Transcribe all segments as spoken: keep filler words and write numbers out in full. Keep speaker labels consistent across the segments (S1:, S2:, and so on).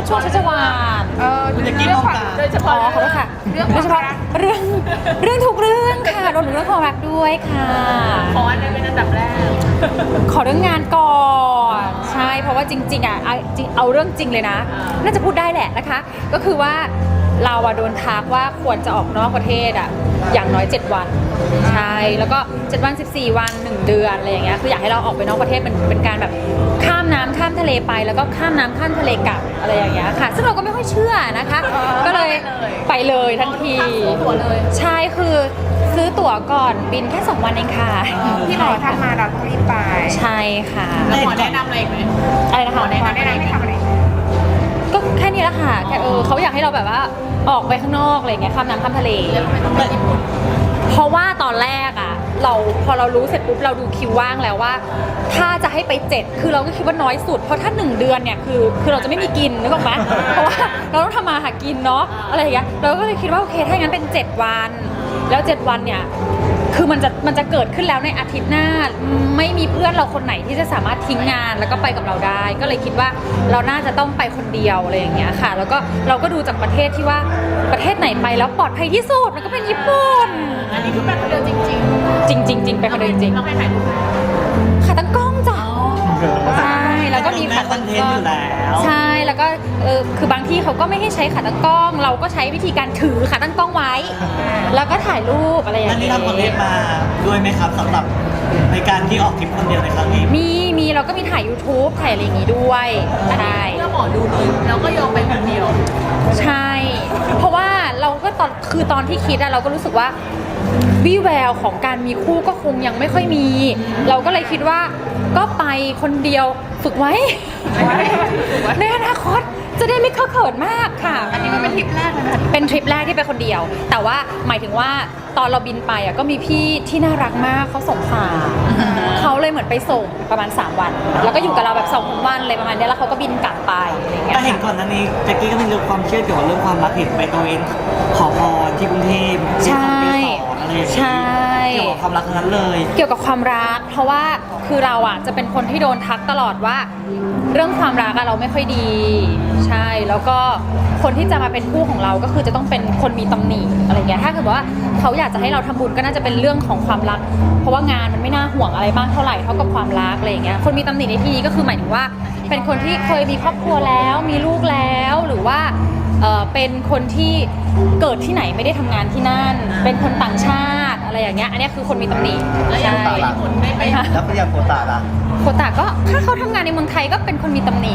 S1: ช่วงชัชวาล
S2: เออ
S3: คุณจะกินมองตา
S2: โดยเฉ
S1: อ๋
S2: พาะ
S1: อขอบคุณค่ะ
S2: เรื่อง
S1: โดยเฉพาะเรื่องเรื่องทุกเรื่องค่ะรวมถึงเรื่องความรักด้วยค่ะ
S2: ขออันนั้นเป็นอันดับแรก
S1: ขอเรื่องงานก่อนใช่เพราะว่าจริงๆอ่ะเอาจริงเอาเรื่องจริงเลยนะ น่าจะพูดได้แหละนะคะ ก็คือว่าเราอะโดนทักว่าควรจะออกนอกประเทศอะอย่างน้อยเจ็ดวันใช่แล้วก็เจ็ดวันสิบสี่วันหนึ่งเดือนอะไรอย่างเงี้ยคืออยากให้เราออกไปนอกประเทศเป็นเป็นการแบบข้ามน้ำข้ามทะเลไปแล้วก็ข้ามน้ำข้ามทะเลกลับอะไรอย่างเงี้ยค่ะ ซึ่งเราก็ไม่ค่อยเชื่อนะคะ ก็เลยไปเลยทันที
S2: ตั๋วเลย
S1: ใช่คือซื้อตั๋วก่อนบินแค่สองวันเองค่ะ
S2: ที่หมอทักมาเราต้องรีบไป
S1: ใช่ค่ะ
S2: แล้วหมอแนะนำอะไรอีกไหม
S1: อะไรนะคะ
S2: หมอแนะนำให้ทำอะไร
S1: ก็แค่นี้แหละค่ะแค่เออเขาอยากให้เราแบบว่าออกไปข้างนอกอะไรอย่างเงี้ยข้ามน้ำข้ามทะเล
S2: แล้วทำไมต้องไปญี่ปุ่น
S1: เพราะว่าตอนแรกอ่ะเราพอเรารู้เสร็จปุ๊บเราดูคิวว่างแล้วว่า ถ้าจะให้ไปเจ็ดคือเราก็คิดว่าน้อยสุดเพราะถ้าหนึ่งเดือนเนี่ยคือคือเราจะไม่มีกินนึกออกไหมเพราะว่าเราต้องทำมาหากินเนาะอะไรอย่างเงี้ยเราก็เลยคิดว่าโอเคถ้าอย่างนั้นเป็นเจ็ดวันแล้วเจ็ดวันเนี่ยคือมันจะมันจะเกิดขึ้นแล้วในอาทิตย์หน้าไม่มีเพื่อนเราคนไหนที่จะสามารถทิ้งงานแล้วก็ไปกับเราได้ ก็เลยคิดว่าเราน่าจะต้องไปคนเดียวอะไรอย่างเงี้ยค่ะ แล้วก็เราก็ดูจากประเทศที่ว่าประเทศไหนไปแล้วปลอดภัยที่สุดมันก็เป็นญี่ปุ่น
S2: อันนี้คือแบบคนเดียวจริง
S1: จริงจริงจริงไปคนเดียวจริง
S2: เราให้ถ่ายรูปไหม
S1: ขาตั้งกล้องจ้ะใช่แล้วก็มีขา
S3: คอ
S1: ตั้
S3: น
S1: ง
S3: เท
S1: ก
S3: น
S1: ล้
S3: ต์
S1: อ
S3: อง ยู่แล้ว
S1: ใช่แล้วก็เออคือบางที่เขาก็ไม่ให้ใช้ขาตั้งกล้อง เราก็ใช้วิธีการถือขาตั้งกล้องไว้ แล้วก็ถ่ายรูปอะไรอย่าง
S3: นั่นนี่
S1: เงี้ย
S3: ทำคอนเทนต์มาด้วยไหมครับสำหรับในการที่ออกทริปคนเดียวในครั้งนี้
S1: มีมีเราก็มีถ่าย YouTube ถ่ายอะไรอย่างงี้ด้วยใช่
S2: เพื่อหมอดูเลยแล้วก็ยอมไปคนเดียว
S1: ใช่ เพราะว่าเราก็ตอนคือตอนที่คิดอะเราก็รู้สึกว่าวิแววของการมีคู่ก็คงยังไม่ค่อยมี เราก็เลยคิดว่าก็ไปคนเดียวฝึกไว้ ในอนาคตจะได้ไม่เข้าเขินมากค่ะ
S2: อันนี้มันเป็นทริปแรกเลยนะ
S1: เป็นทริปแรกที่ไปคนเดียว แต่ว่าหมายถึงว่าตอนเราบินไปอ่ะก็มีพี่ที่น่ารักมากเขาส่งฝากเขาเลยเหมือนไปส่งประมาณสามวัน แล้วก็อยู่กับเราแบบสองวันเลยประมาณเนี้ยแล้วเขาก็บินกลับไปอะไรอย่างเงี้ย
S3: แต่เห็นก่อนหนั้นนี้แจ็คกี้ก็มีเรื่องความเชื่อเกี่ยวกับเรื่องความรักเห็นไปตัวเองขอพรที่กรุงเทพ
S1: ใช่
S3: ที่คำเปสอนอะไรอย่าง
S1: ใช่
S3: เงี้ยเกี่ยวกับความรักทั้งนั้นเลย
S1: เกี่ยวกับความรัก เพราะว่าคือเราอ่ะจะเป็นคนที่โดนทักตลอดว่า เรื่องความรักอะเราไม่ค่อยดี ใช่แล้วก็คนที่จะมาเป็นคู่ของเราก็คือจะต้องเป็นคนมีตำหนิอะไรเงี้ยถ้าเกิดว่าเขาอยากจะให้เราทำบุญก็น่าจะเป็นเรื่องของความรัก เพราะว่างานมันไม่น่าห่วงอะไรมากเท่าไหร่เท่ากับความรักอะไรอย่างเงี้ยคนมีตำหนิในที่นี้ก็คือหมายถึงว่า เป็นคนที่เคยมีครอบครัวแล้วมีลูกแล้วหรือว่าเอ่อเป็นคนที่เกิดที่ไหนไม่ได้ทำงานที่นั่น เป็นคนต่างชาติอะไรอย่างเงี้ยอันเนี้ยคือคนมีตำหนิ
S2: แล้วอย่าง
S1: ใช่
S2: ไปญี่ปุ่นได้ไป
S1: ค่ะ
S3: แล้วก็ยังโคตาล่ะ
S1: โคตาก็ถ้าเขาทำงานในเมืองไทยก็เป็นคนมีตำหนิ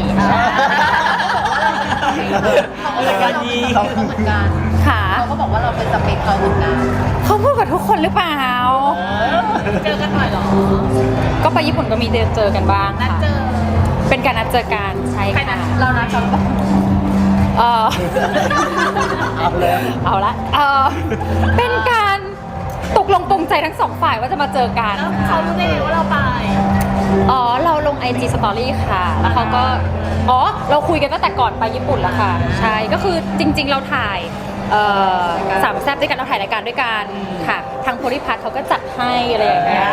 S3: รายการนี้
S2: เขาเหมือนกัน
S1: ค่ะ
S2: เขาก็บอกว่าเราเป็นสเปคเขาเหมือนกัน
S1: เขาพูดกับทุกคนหรือเปล่า
S2: เจอกันหน่อยเหรอ
S1: ก็ไปญี่ปุ่นก็มีเจอเจอกันบ้าง
S2: นัด
S1: ค่ะ
S2: เจอ
S1: เป็นการนัดเจอกันใช่
S2: ใครนั
S1: ค่ะ
S2: ดเรานัดเขาปะ
S1: เออ
S3: เอาเลย
S1: เอาละเออเป็นการตกลงปรงใจทั้งสองฝ่ายว่าจะมาเจอกัน
S2: แล้วเขารู้ได้ไงว่าเราไป
S1: อ๋อเราลง ไอ จี Story ค่ะ แล้วเขาก็อ๋อเราคุยกันตั้งแต่ก่อนไปญี่ปุ่นแล้วค่ะ ใช่ก็คือจริง ๆ เราถ่ายเอ่อสามแซ่บด้วยกันเราถ่ายรายการด้วยกันค่ะ ทางโพลิพัทเขาก็จัดให้อะไรอย่างเงี้ย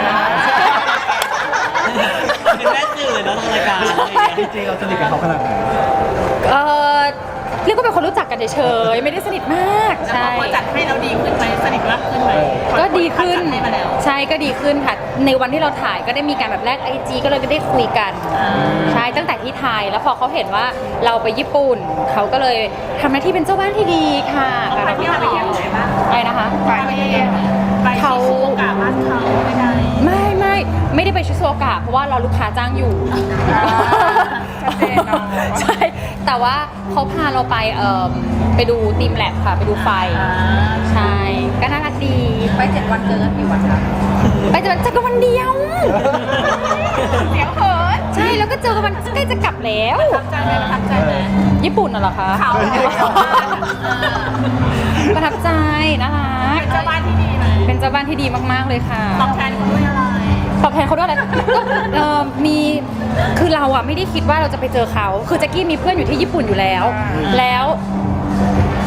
S3: เป็นแม่สื่อแล้วทางรายการจริงๆเราสนิทกับเขาขนาดไหน
S1: เออเรียกว่าเป็นคนรู้จักกันเฉยๆไม่ได้สนิทมาก
S2: แล้ว
S1: ใช่
S2: พอจัดให้เราดีขึ้นไหมสนิทมากขึ้นไหม
S1: ก็ดีขึ้น
S2: จัดให้มาแล้ว
S1: ใช่ก็ดีขึ้นค่ะ ในวันที่เราถ่ายก็ได้มีการแบบแลกไอจีก็เลยได้คุยกันใช่ตั้งแต่ที่ไทยแล้วพอเขาเห็นว่าเราไปญี่ปุ่นเขาก็เลยทำหน้าที่เป็นเจ้าบ้านที่ดีค่ะ
S2: เขาพาเที่ยวไปเที่ยวไหนบ้าง
S1: อะไรนะคะ
S2: ไปเที่ยวไปชิซูโอกะบ้านเขาไม่ได้
S1: ไม่ไม่ไม่ได้ไปชิซูโอกะเพราะว่าเราลูกค้าจ้างอยู่
S2: ชัดเจนเนอะ
S1: ใช่แต่ว่าเขาพาเราไปเอ่อไปดูทีมแลบค่ะไปดูไฟ ใช่ ก็น่ารักดี
S2: ไปเจ็ดวันเจอกันกี่วันคะ
S1: ไปเจอเจอกันวันเดียว
S2: เสียงเขิน
S1: ใช่ แล้วก็เจอกันวันใกล้จะกลับแล้ว
S2: ประทับใจไหมประทับใจไหม
S1: ญี่ปุ่นน่ะเหรอคะ
S2: เขา
S1: ประทับใจน่ารัก
S2: เป็นเจ้าบ้านที่ดีไหม
S1: เป็นเจ้าบ้านที่ดีมากๆเลยค่ะ
S2: ตอบแทนเขาด้วยอะไร
S1: ตอบแทนเขาด้วยอะไรก็เอ่อมีคือเราอะไม่ได้คิดว่าเราจะไปเจอเขาคือแจ็กกี้มีเพื่อนอยู่ที่ญี่ปุ่นอยู่แล้ว แล้ว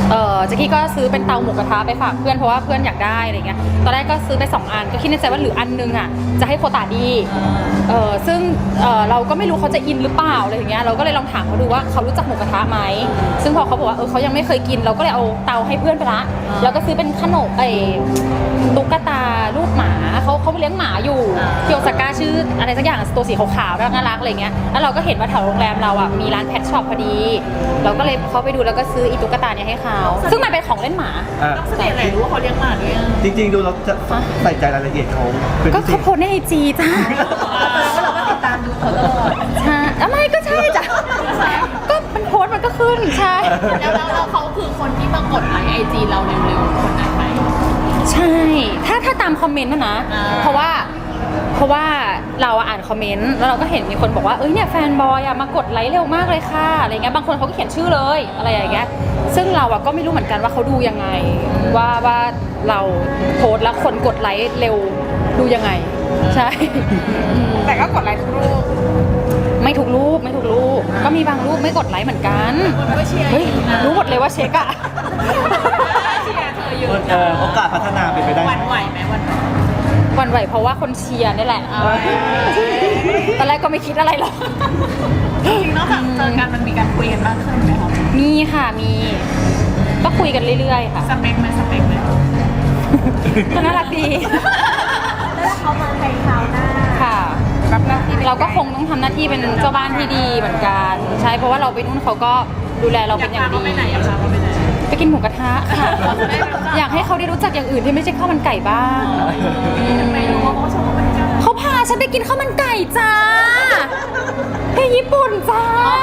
S1: เออแจ็คกี้ก็ซื้อเป็นเตาหมูกระทะไปฝากเพื่อนเพราะว่าเพื่อนอยากได้อะไรเงี้ยตอนแรกก็ซื้อไปสองอันก็คิดในใจว่าหรืออันนึงอ่ะจะให้โคตาดีเออซึ่งเออเราก็ไม่รู้เขาจะอินหรือเปล่าอะไรอย่างเงี้ยเราก็เลยลองถามเขาดูว่าเขารู้จักหมูกระทะไหมซึ่งพอเขาบอกว่าเออเขายังไม่เคยกินเราก็เลยเอาเตาให้เพื่อนไปละแล้วก็ซื้อเป็นขนมไอ้ตุ๊กตารูปหมาเขาเขาเลี้ยงหมาอยู่ที่โอซาก้าชื่ออะไรสักอย่างตัวสีขาวๆน่ารักอะไรเงี้ยแล้วเราก็เห็นว่าแถวโรงแรมเราอ่ะมีร้านแพทช็อปพอดีเราก็เลยเขาไปดูแล้วก็ซื้ออีตุ๊กตาเนี่ยให้เขาซึ่งมันเป็นของเล่นหมา
S4: อ่ะ
S2: ต้องสังเกตอะไรรู้ว่าเขาเลี้ยงหมาด้วยอ่ะ
S4: จริงๆดูเราจะใส่ใจรายละเอียดเขาเป็น
S1: ก็
S4: พิเศ
S1: เขา
S4: ษ
S1: โพสในไอจีจ้า
S2: แล้วเราก็ติดตามดูเขาตลอด
S1: ใช่อะไรก็ใช่จ้ะก็มันโพสต์มันก็ขึ้นใช่
S2: แล้วแล้วเขาคือคนที่มากดไลค์ไอจีเราเร็วๆคนนั้นไหม
S1: ใช่ถ้าถ้าตามคอมเมนต์นะนะ
S2: อ่า
S1: เพราะว่าเพราะว่าเราอ่านคอมเมนต์แล้วเราก็เห็นมีคนบอกว่าเอ้ยเนี่ยแฟนบอยอะมากดไลค์เร็วมากเลยค่ะอะไรเงี้ยบางคนเขาก็เขียนชื่อเลยอะไรอย่างเงี้ยซึ่งเราอะก็ไม่รู้เหมือนกันว่าเขาดูยังไงว่าว่าเราโพสต์แล้วคนกดไลค์เร็วดูยังไงใช่
S2: แต่ก็กดไลค์ทุกรูป
S1: ไม่ถูกรูปไม่ถูกรูปก็มีบางรูปไม่กดไลค์เหมือนกัน
S2: คนก็เชียร์
S1: เฮ้ยรู้หมดเลยว่าเช็คอะ
S2: เชียร์เธออยู่
S4: เออโอกาสพัฒนาเป็นไปได้
S2: หวันไหวไหมหวันไหว
S1: หวันไหวเพราะว่าคนเชียร์นี่แหละตอนแรกก็ไม่คิดอะไรหรอก
S2: จริงๆนอกจากเจอกันมันมีการคุยกันมากขึ้นไหมคะ
S1: มีค่ะมีก็คุยกันเรื่อยๆค่ะ
S2: สเปคไหมสเปคไหม
S1: ก็น่ารักดี
S2: แล้วเขามาในคราวหน้า
S1: ค่ะ
S2: รับหน้าที่
S1: เราก็คงต้องทำหน้าที่เป็นเจ้าบ้านที่ดีเหมือนกันใช่เพราะว่าเราไปนู่นเขาก็ดูแลเรา
S2: อ
S1: เป็
S2: ยาก
S1: นอย่า
S2: พาง เขา
S1: ดี
S2: ไปไหนอยากพาเขาไปไหน
S1: ไปกินหมูกระทะค่ะ อยากให้เขาได้รู้จักอย่างอื่นที่ไม่ใช่ข้าวมันไก่บ้าง
S2: ไม่รู้ว่าเขาชอบเขาเป็นกัน
S1: เขาพาฉันไปกินข้าวมันไก่จ้าที่ญี่ปุ่นจ้า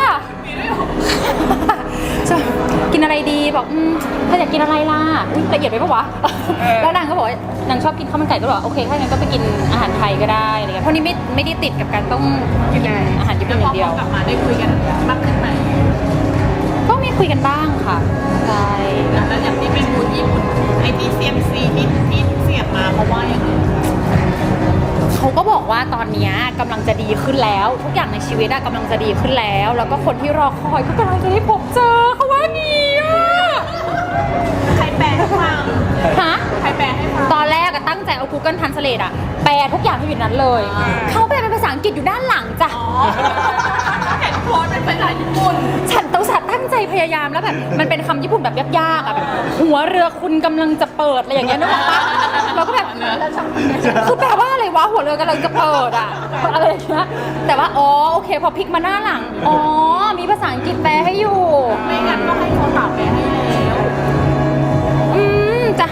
S1: จะกินอะไรดีบอกอืมเธออยากกินอะไรล่ะอุ๊ยละเอียดไปปะวะแล้วนางก็บอกว่านางชอบกินข้าวมันไก่ก็บอกโอเคถ้างั้นก็ไปกินอาหารไทยก็ได้อะไรเงี้ยเพราะนี่ไม่ไม่ได้ติดกับการต้องกินอาหารญี่ปุ่นอย่างเดียว
S2: กลับมาได้คุยกันมากขึ้นไหม
S1: ก็มีคุยกันบ้างค่ะใช่
S2: แล้วอย่างที่เป็นบูธญี่ปุ่นไอที่เซียมซีที่ที่เสียบมาเพราะว่าอย่างไร
S1: เขาก็บอกว่าตอนเนี้ยกำลังจะดีขึ้นแล้ว ทุกอย่างในชีวิตอะกำลังจะดีขึ้นแล้ว แล้วก็คนที่รอคอยก็กำลังจะได้พบเจอเขาว่างี้อะ
S2: ใครแปลให้ฟัง
S1: ฮะ
S2: ใครแปลให้ฟัง
S1: ตอนแรกอะตั้งใจเอา Google Translate อะแปลทุกอย่างที่อยู่ในนั้นเลย
S2: อ่า
S1: เขาแปลเป็นภาษาอังกฤษอยู่ด้านหลังจ้ะ
S2: อ๋อเห็นโพสต์เป็นภาษาญี่ปุ่น
S1: ฉันต้องสัตว์ตั้งใจพยายามแล้วแบบมันเป็นคำญี่ปุ่นแบบยากๆอะแบบหัวเรือคุณกำลังจะเปิดอะไรอย่างเงี้ยนึกออกปะเราก็แบบคือแปลว่าอะไรวะหัวเรือกำลังจะเปิดอะอะไรอย่างเงี้ยแต่ว่าอ๋อโอเคพอพลิกมาหน้าหลังอ๋อมีภาษาอังกฤษแปลให้อยู่
S2: ไม่งั้นก็ให้เขาถามแปลให้แล้ว
S1: อืมจ้ะ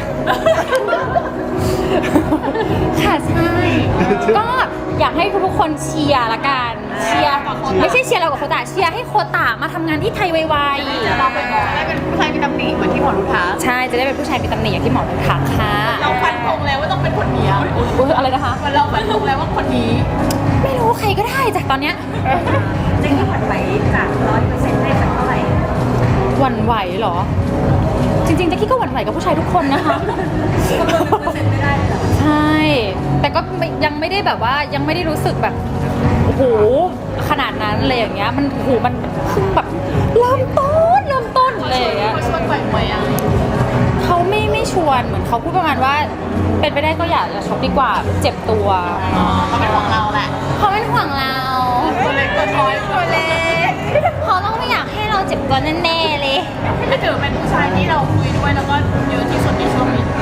S1: ค่ะใช่ก็อยากให้ทุกๆคนเชียร์ละกันเชียร์ไม่ใช่เชียร์เรากับโคตาเชียร์ให้โคตามาทำงานที่ไทยไว
S2: จะเราไปมองได้เป็นผู้ชายมีตำหนิเหมือนที่หมอรุท้า
S1: ๆใช่จะได้เป็นผู้ชายมีตำหนิอย่างที่หมอทักค่ะ
S2: เราฟันธงแล้วว่าต้องเป็นคนนี้
S1: อุ๊ยอะไรนะคะ
S2: เราฟันธงแล้วว่าคนนี้
S1: ไม่รู้ใครก็ได้จากตอนเนี้ย
S2: จริงๆหวั่นไหวจากร้อยเปอร์เซ็นต์ได้สักเท่าไหร่
S1: หวั่นไหวเหรอ จริงๆแจ๊กกี้ก็หวั่นไหวกับผู้ชายทุกคนนะคะ
S2: เปอร์เซ็นต์ไม่ได้เลย
S1: ใช่ แต่ก็ไม่ยังไม่ได้แบบว่ายังไม่ได้รู้สึกแบบโอ้โหขนาดนั้นเลยอย่างเงี้ยมันโอ้โหมันเพิ่งแบบเริ่มต้นเริ่มต้นอะไรอย่างเงี้ย
S2: เขาชวนปล่อยมวยอ่ะ
S1: เขาไม่ไม่ชวนเหมือนเขาพูดประมาณว่า เป็นไปได้ก็อยากจะช็อปดีกว่าเจ็บตัว
S2: อ๋อเขาเป็นของเราแหละ
S1: เขาเป็นห่วงเรา
S2: ตัวเล็กตัวน้อยตัวเล็ก
S1: เขาต้องไม่อยากให้เราเจ็บตัวแน่ๆเลย
S2: ไม่ถือเป็นผู้ชายที่เราคุยด้วยแล้วก็เยอะที่สุดในช่วงนี้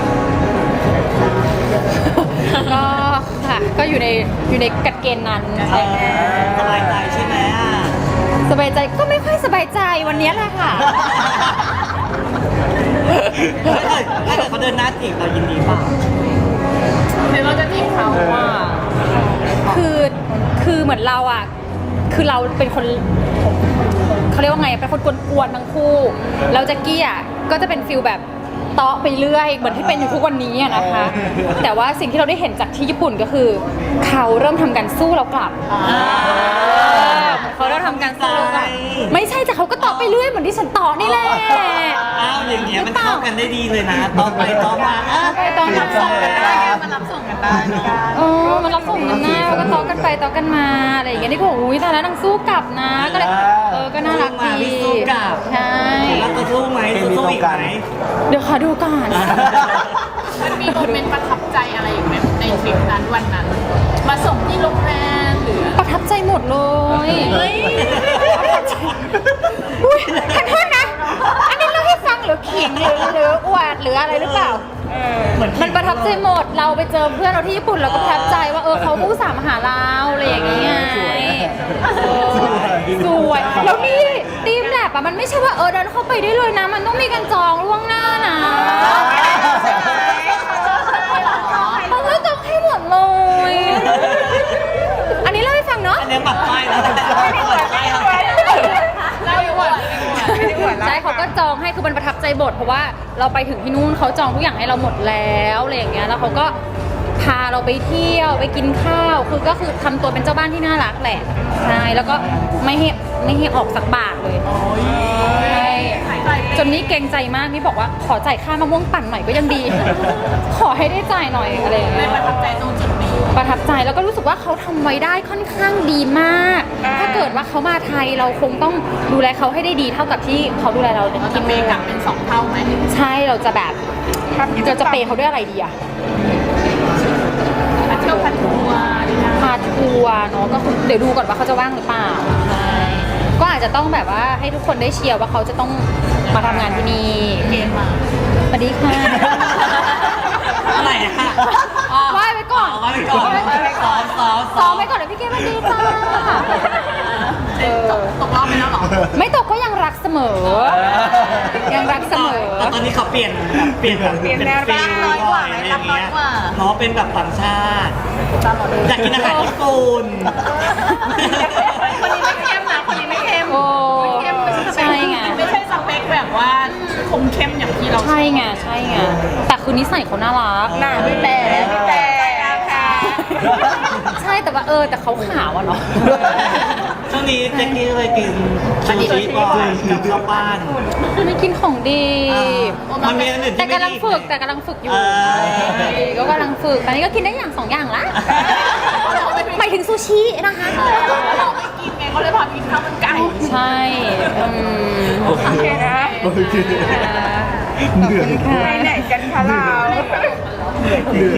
S1: ก็ค่ะก็อยู่ในอยู่ในกัดเกณฑ์นั้น
S3: เออสบายใจใช่ไหมอ่ะ
S1: สบายใจก็ไม่ค่อยสบายใจวันนี้แหละค่ะ
S3: ถ้าเกิดถ้าเกิดเขาเดินหน้าจีบเรายินดีเปล่า
S2: เดี๋ยวเราจะจีบเขาว่า
S1: คือคือเหมือนเราอ่ะคือเราเป็นคนเขาเรียกว่าไงเป็นคนกวนๆทั้งคู่แล้วแจ็คกี้อ่ะก็จะเป็นฟิลแบบเตาะไปเรื่อยเหมือนที่เป็นอยู่ทุกวันนี้อะนะคะ แต่ว่าสิ่งที่เราได้เห็นจากที่ญี่ปุ่นก็คือ เขาเริ่มทำการสู้เรากลับเขาเริ่มทำการสู้เรากลับไม่ใช่แต่เขาก็เตาะไปเรื่อยเหมือนที่ฉันเตาะนี่แหละ
S3: อ้าวอย่างเงี้ยมันเข้ากันได้ดีเลยนะตอนไปตอนมาอ่ะ
S1: ไปตอนมา
S3: รับส่งกันได้
S2: มันรับส่งกันได้เนาะ
S1: เออมันรับส่งกันหน้าแล้วก็เตาะกันไปเตาะกันมาอะไรอย่างเงี้ยนี่ก็บอกอุ้ยแต่แล้วนางสู้กลับนะก็เลยเออก็น่ารักดีใช่
S3: แล้วจะสู้ไหมจะสู้อีกไหม
S1: เดี๋ยวขอดูก่อน
S2: มันมีโมเมนต์ประทับใจอะไรอีกไหมในทริปนั้นวันนั้น มาส่งที่โรงแรมหรือ
S1: ประทับใจหมดเลยอุ้ยขอโทษนะ อันนี้เล่าให้ฟังหรือขิงหรือหรืออวดหรืออะไรหรือเปล่า มันประทับใจหมด เราไปเจอเพื่อนเราที่ญี่ปุ่นเราก็ประทับใจว่าเออเขาผู้สามหาเราอะไรอย่างเงี้ยเออสวยแล้วนี่ทีมแลบอะมันไม่ใช่ว่าเออเดินเข้าไปได้เลยนะ มันต้องมีการจองล่วงหน้านะเขาก็จองให้หมดเลย อันนี้เล่าให้ฟังเนาะ
S3: อันนี้ปัดป้ายแล้วปัดป้ายแล้ว
S2: เล่าอยู่ว่าไม่ได้อวด
S1: ใช่เขาก็จองให้คือมันประทับใจบทเพราะว่าเราไปถึงที่นู่นเขาจองทุกอย่างให้เราหมดแล้วอะไรอย่างเงี้ยแล้วเขาก็พาเราไปเที่ยวไปกินข้าวคือก็คือทำตัวเป็นเจ้าบ้านที่น่ารักแหละใช่แล้วก็ไม่ให้ไม่ให้ออกสักบาทเลยใช่จนนี้เกรงใจมากนี่บอกว่าขอจ่ายค่ามะม่วงปั่นหน่อยก็ยังดี ขอให้ได้จ่ายหน่อยอะไรอย่าง
S2: ไม่
S1: เงี้ย
S2: ประทับใจตรงจุดนี้
S1: ประทับใจแล้วก็รู้สึกว่าเขาทำไว้ได้ค่อนข้างดีมาก ถ้าเกิดว่าเขามาไทยเราคงต้องดูแลเขาให้ได้ดีเท่ากับที่เขาดูแลเรา
S2: เรา
S1: ที่
S2: จะเม
S1: นู่น
S2: กลับเป็นสองเท่าไหม
S1: ใช่เราจะแบบเราจะเปย์เขาด้วยอะไรดีอะ
S2: มาเที่ยวพันทัวร์ดีนะ
S1: พาทัวร์เนาะก็คือเดี๋ยวดูก่อนว่าเขาจะว่างหรือเปล่าใช่ก็อาจจะต้องแบบว่าให้ทุกคนได้เชียร์ว่าเขาจะต้องมาทำงานที่นี่
S2: เกมมา
S1: สวัสดีค่ะ
S3: อะไรอะ
S1: ไหว้ไปก่อน
S3: เอาไว้ก่อนซ้อมซ้อม
S1: ซ้อมไปก่อนเดี๋ยวพี่เกมมาดีจ้าเออ
S2: ตกรอบไปแล้วเหรอ
S1: ไม่ตกก็ยังรักเสมอ ยังรักเสมอ
S3: แต่ตอนนี้เขาเปลี่ยนแบบเปลี่ยนแบบ
S2: เปลี่ยนแนวรักน้อยกว่าไหมรักน้อยกว่า
S3: เพราะเป็นแบบต่างชาติอยากกินอาหารญี่ปุ่น
S2: คนนี้ไม่เข้มนะคนนี้ไม่เข้ม
S1: โอ้
S2: เข้มไม่
S1: ใช่ไง
S2: ไม่ใช่สเปคแบบว่าคมเข้มอย่างที่เราชอบ
S1: ใช่ไงใช่ไงแต่คือนิสัยเขาน่ารัก
S2: น่าพี่แต่พี่แต่ค่ะ
S1: ใช่แต่ว่าเออแต่เขาขาวอะเนาะ
S3: ช่วงนี้เจ๊กี้เลยกินชูชีบ่อยกับข้าวปั้น
S1: ไม่กินของดี
S3: มันมีอันอื่น
S1: แต่
S3: ที่ไม่
S1: กำลัง
S3: ดี
S1: ฝึกแต่กำลังฝึกอยู่
S3: เออ
S1: ก็กำลังฝึกตอนนี้ก็กินได้อย่างสองอย่างละหมายถึงซูชินะคะ
S2: เราไม่กินไงเขาเลยพากินข้าวมันไก่
S1: ใช่อืม
S4: โอเคนะโอเค
S1: ขอบคุณค่ะ
S2: ไหนกันคะเรา